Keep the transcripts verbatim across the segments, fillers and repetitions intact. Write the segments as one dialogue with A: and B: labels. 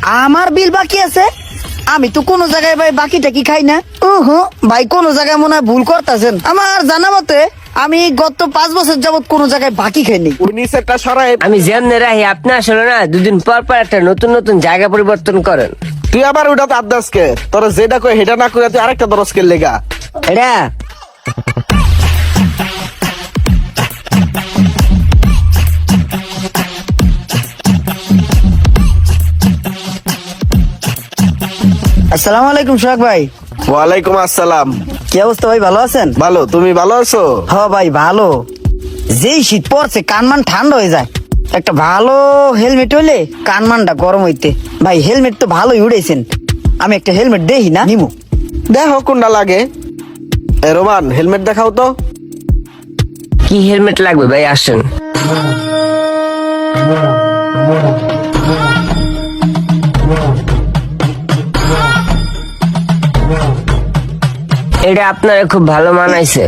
A: আমার বিল বাকি আছে? আমি তো কোনো জায়গায় ভাই বাকিটা কি খাই না। উহু, ভাই কোন জায়গায় মনে হয় ভুল করতেছেন। আমার জানা মতে আমি গত পাঁচ বছর যাবত কোনো জায়গায় বাকি খাইনি।
B: ওই নিচেরটা সরাই।
C: আমি যেমনে রাহি আপনি আসলে না দুদিন পর পর একটা নতুন নতুন জায়গা পরিবর্তন করেন।
B: তুই আবার ওটা তো আদাসকে তোরা যেটা কই হেটা না করে তুই আরেকটা দরজকে লেগা।
C: এটা
A: আসসালামু আলাইকুম সোহাগ ভাই।
B: ওয়ালাইকুম আসসালাম।
A: কি অবস্থা ভাই, ভালো আছেন?
B: ভালো, তুমি ভালো আছো?
A: হ ভাই ভালো। যেই শীত পড়ছে কানমান ঠান্ডা হয়ে যায়। একটা ভালো হেলমেট হইলে কানমানটা গরম হইতে। ভাই হেলমেট তো ভালোই উড়েছেন, আমি একটা হেলমেট দেখি না নিমু।
B: দেখো কোনটা লাগে। এ রোমান, হেলমেট দেখাও তো।
C: কি হেলমেট লাগবে ভাই আসেন। এটা আপনারা খুব ভালো মানাইছে।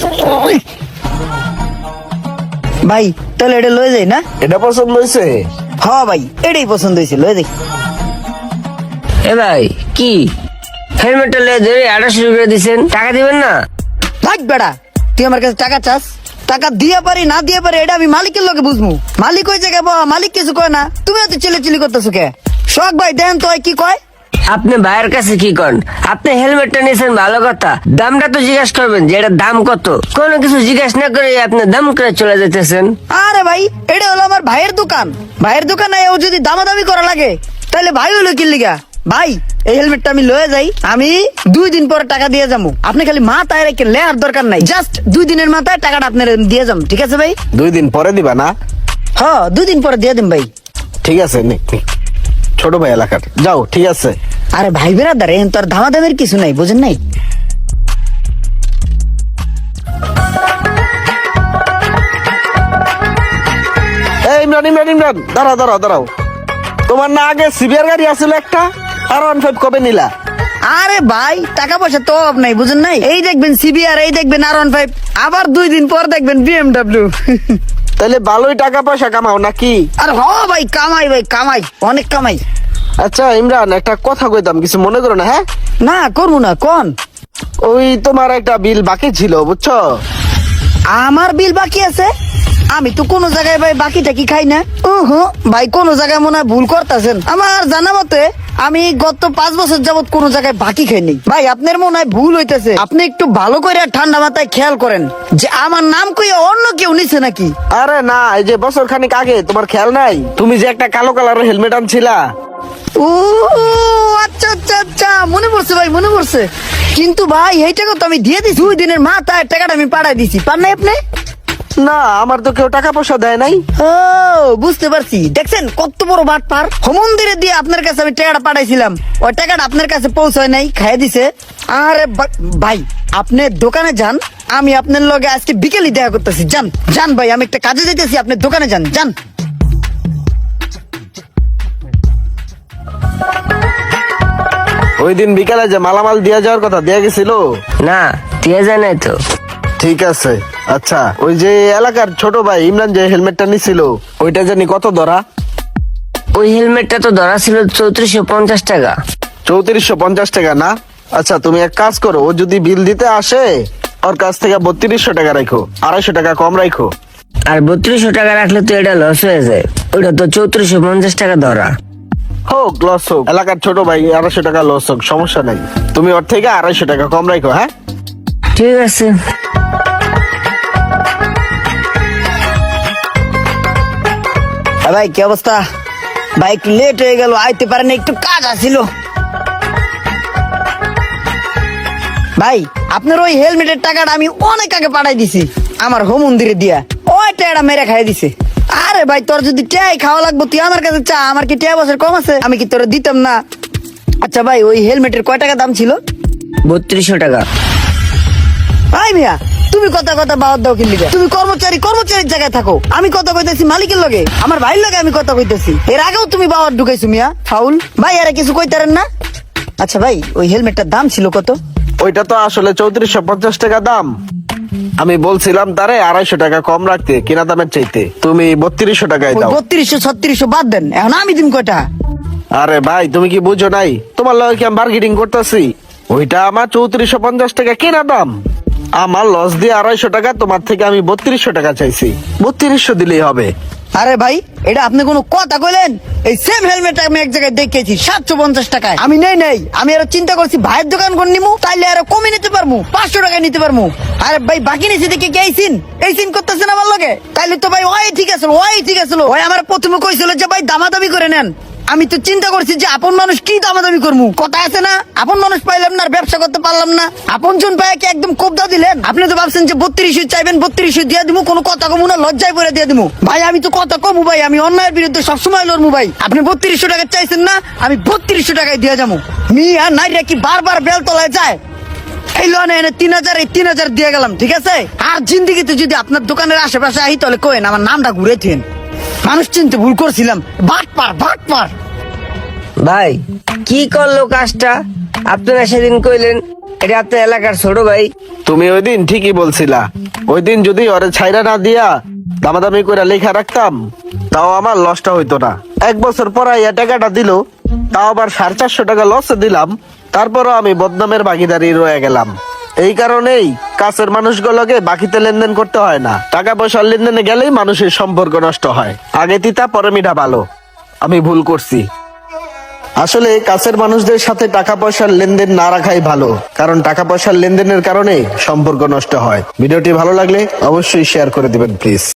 A: ভাই তাহলে এটা লয়ে যাই না?
B: এটা পছন্দ হয়েছে?
A: হ ভাই এটাই পছন্দ হয়েছে, লয়ে যাই।
C: এ ভাই কি হেলমেটটা লে ধরে আঠাশো করে দিচ্ছেন, টাকা দিবেন না?
A: ভাই বেড়া, তুই আমার কাছে টাকা চাস? টাকা দিয়ে পারি না দিয়ে পারি এটা আমি মালিকের লোকে বুঝবো। মালিক ওই জায়গায় বাবা, মালিক কিছু কয় না, তুমি এত চিলে চিলি করতেছো কে? শখ ভাই দেন তো কি কয়।
C: আপনি ভাইয়ের কাছে কি করেন? আপনি হেলমেটটা নিয়েছেন ভালো কথা, দামটা তো জিজ্ঞাসা করবেন যে এটার দাম কত। কোনো কিছু জিজ্ঞাসা না করে আপনি দাম করে চলে যেতেছেন।
A: আরে ভাই এটা হলো আমার ভাইয়ের দোকান, ভাইয়ের দোকানে ও যদি দামাদামি করা লাগে তাহলে ভাই হলো কি লিগা। ভাই এই হেলমেটটা আমি লয়ে যাই, আমি দুই দিন পরে টাকা দিয়ে যাবো। আপনি খালি মাথায় রেখে লেয়ার দরকার নাই, জাস্ট দুই দিনের মাথায় টাকাটা আপনার দিয়ে যাবো, ঠিক আছে ভাই?
B: দুই দিন পরে দিবা না?
A: হ্যাঁ দুই দিন পরে দিয়ে দিন ভাই।
B: ঠিক আছে, নে, নে। ছোট ভাই এলাকার যাও, ঠিক আছে।
A: আরে ভাই বেরাদার এখন তো আর দামাদামের কিছু নাই, বুঝেন নাই?
B: এই ইমরান ইমরান ইমরান দাঁড়াও দাঁড়াও দাঁড়াও। তোমার না আগে সিবিআর গাড়ি আসলে একটা, আর ওয়ান ফাইভ কবে নিলা?
A: আরে ভাই টাকা পয়সা তো অভাব নাই, বুঝেন নাই? এই দেখবেন সিবিআর, এই দেখবেন আর ওয়ান ফাইভ, আবার দুই দিন পর দেখবেন বিএমডাব্লিউ।
B: তাহলে ভালোই টাকা পয়সা কামাও নাকি?
A: আর হ ভাই কামাই, ভাই কামাই, অনেক কামাই।
B: আচ্ছা ইমরান, একটা কথা কইতাম, কিছু মনে করো না? হ্যাঁ
A: না করবো না, কোন?
B: ওই তোমার একটা বিল বাকি ছিল, বুঝছো?
A: আমার বিল বাকি আছে? আমি তো কোনো জায়গায় ভাই বাকিটা কি খাই না। উহু, ভাই কোন জায়গায় মনে হয় ভুল করতেছেন। আমার জানা মতে আমি গত পাঁচ বছর যাবত কোনো জায়গায় বাকি খাইনি। ভাই আপনার মনে হয় ভুল হইতেছে, আপনি একটু ভালো করে ঠান্ডা মাথায় খেয়াল করেন যে আমার নাম কইয়া অন্য কেউ নিছে নাকি।
B: আরে না, এই যে বছর খানিক আগে তোমার খেয়াল নাই? তুমি যে একটা কালো কালারের হেলমেট আনছিলা।
A: ও আচ্ছা আচ্ছা আচ্ছা, মনে পড়ছে ভাই, মনে পড়ছে। কিন্তু ভাই এই টাকা তো আমি দিয়ে দিছি, দুই দিনের মাথায় টাকাটা আমি পাঠাই দিছি। পার নাই আপনি?
B: না, আমার তো কেউ টাকা পয়সা দেয় নাই।
A: ও বুঝতে পারছি, দেখছেন কত বড় বাটপার। মন্দিরে দিয়ে আপনার কাছে আমি টাকাটা পাঠাইছিলাম, ওই টাকাটা আপনার কাছে পৌঁছায় নাই, খাইয়ে দিছে। আরে বা- ভাই আপনি দোকানে যান, আমি আপনার লগে আজকে বিকেলে দেখা করতেছি। যান যান ভাই, আমি একটা কাজে যেতেছি, আপনি দোকানে যান যান।
B: ওই দিন বিকালে যে মালামাল দিয়া যাওয়ার কথা দেয়া গেছিল?
C: না দিয়ে যায় নাই তো।
B: ঠিক আছে। আচ্ছা ওই যে এলাকার ছোট ভাই ইমরান যে হেলমেটটা নিছিল, ওইটা জানি কত ধরা?
C: ওই হেলমেটটা তো ধরা ছিল চৌত্রিশশো পঞ্চাশ টাকা।
B: চৌত্রিশশো পঞ্চাশ টাকা না? আচ্ছা তুমি এক কাজ করো, ও যদি বিল দিতে আসে ওর কাছ থেকে বত্রিশশো টাকা রাখো, আড়াইশো টাকা কম রাখো।
C: আর বত্রিশশো টাকা রাখলে তো এটা লস হয়ে যায়, ওইটা তো চৌত্রিশশো পঞ্চাশ টাকা ধরা।
B: হোক লস হোক, এলাকার ছোট ভাই আড়াইশো টাকা লস হোক, সমস্যা নাই। তুমি ওর থেকে আড়াইশো টাকা কম রাখো। হ্যাঁ
C: ঠিক আছে।
A: হ্যাঁ ভাই কি অবস্থা? ভাই একটু লেট হয়ে গেল, আইতে পারেন, একটু কাজ আছিল। ভাই আপনার ওই হেলমেটের টাকাটা আমি অনেক আগে পাঠাই দিছি আমার হোম মন্দিরে দিয়া, ওই টাকাটা মেরে খাই দিছে। আরে ভাই তোর যদি টাই খাওয়া লাগবো তুই আমার কাছে চা, আমার কি টাই বছর কম আছে, আমি কি তোর দিতাম না? আচ্ছা ভাই ওই হেলমেটের কয় টাকা দাম ছিল?
C: বত্রিশশো টাকা।
A: ভাই মিয়া তুমি কথা কথা বাদ দাও কিনলি, তুমি কর্মচারী কর্মচারীর জায়গায় থাকো, আমি কথা কইতেছি মালিকের লগে, আমার ভাইয়ের লগে আমি কথা কইতেছি। এর আগেও তুমি বাবার ঢুকাইছো মিয়া, ফাউল। ভাই আরে কিছু কইতারেন না? আচ্ছা ভাই ওই হেলমেটটার দাম ছিল কত?
B: ওইটা তো আসলে চৌত্রিশশো পঞ্চাশ টাকা দাম। আমি বলছিলাম তারে আড়াইশো টাকা কম রাখতে কিনা দামের চাইতে, তুমি বত্রিশশো টাকায় দাও।
A: বত্রিশশো ছত্রিশশো বাদ দেন, এখন আমি দিন কয়টা?
B: আরে ভাই তুমি কি বুঝো নাই, তোমার লগে কি আমি বার্গেনিং করতেছি? ওইটা আমার চৌত্রিশশো পঞ্চাশ টাকা কেনা দাম, আমার লস দিয়ে আড়াইশো টাকা, তোমার থেকে আমি বত্রিশশো টাকা চাইছি, বত্রিশশো দিলেই হবে।
A: আরে ভাই, এটা আপনি কোনো কথা কইলেন? এই সেম হেলমেট আমি এক জায়গায় দেখেছি সাতশো পঞ্চাশ টাকায়। আমি নেই নেই, আমি আরো চিন্তা করছি ভাইয়ের দোকান করে নিমু, তাইলে আরো কমে নিতে পারবো, পাঁচশো টাকায় নিতে পারবো। আরে ভাই বাকি নিচে দেখে কে এই সিন এই সিন করতেছেন আমার লগে? তাইলে তো ভাই ওই ঠিক আছে, ওই ঠিক আছে, ওই আমার প্রথমে কইছিল যে ভাই দামাদামি করে নেন। আমি তো চিন্তা করছি যে আপন মানুষ কি দামাদামি করবো, কথা আছে না, আপন মানুষ পাইলাম না আর ব্যবসা করতে পারলাম না, আপন জন পায় কি একদম কোবদা দিলেন? আপনি তো ভাবছেন যে বত্রিশশো চাইবেন, বত্রিশশো দিয়ে দিবো, কোনো কথা কমু না, লজ্জায় পরে দিয়ে দিবো। ভাই আমি তো কথা কমু ভাই, আমি অন্যায়ের বিরুদ্ধে সবসময় লড়বো ভাই। আপনি বত্রিশশো টাকা চাইছেন না, আমি বত্রিশশো টাকায় দিয়ে যাবো। মিয়া নাইরা কি বারবার বেলতলায় যায়? এই লোনে এনে তিন হাজার এই তিন হাজার দিয়ে গেলাম, ঠিক আছে? আর জিন্দিগিতে যদি আপনার দোকানের আশেপাশে আহি তাহলে কোয়েন আমার নামটা ঘুরে থেন। মানুষ চিনতে ভুল করছিলাম, বাট পার বাট পার।
C: ভাই কি করলো কাজটা? আপনারা সেদিন কইলেন এটা আপনার এলাকার ছোট ভাই।
B: তুমি ওই দিন ঠিকই বলছিলা, ওই দিন যদি ওরে ছাইরা না দিয়া দামাদামি করে লেখা রাখতাম, তাও আমার লসটা হইতো না। এক বছর পরে এই টাকাটা দিল, তাও আবার সাড়ে চারশো টাকা লসে দিলাম, তারপরও আমি বদনামের ভাগিদারি রয়ে গেলাম। এই কারণেই কাছের মানুষগুলোকে বাকিতে লেনদেন করতে হয় না, টাকা পয়সার লেনদেনে গেলেই মানুষের সম্পর্ক নষ্ট হয়। আগে তিতা পরে মিঠা ভালো, আমি ভুল করছি। আসলে কাছের মানুষদের সাথে টাকা পয়সার লেনদেন না রাখাই ভালো, কারণ টাকা পয়সার লেনদেনের কারণে সম্পর্ক নষ্ট হয়। ভিডিওটি ভালো লাগলে অবশ্যই শেয়ার করে দিবেন প্লিজ।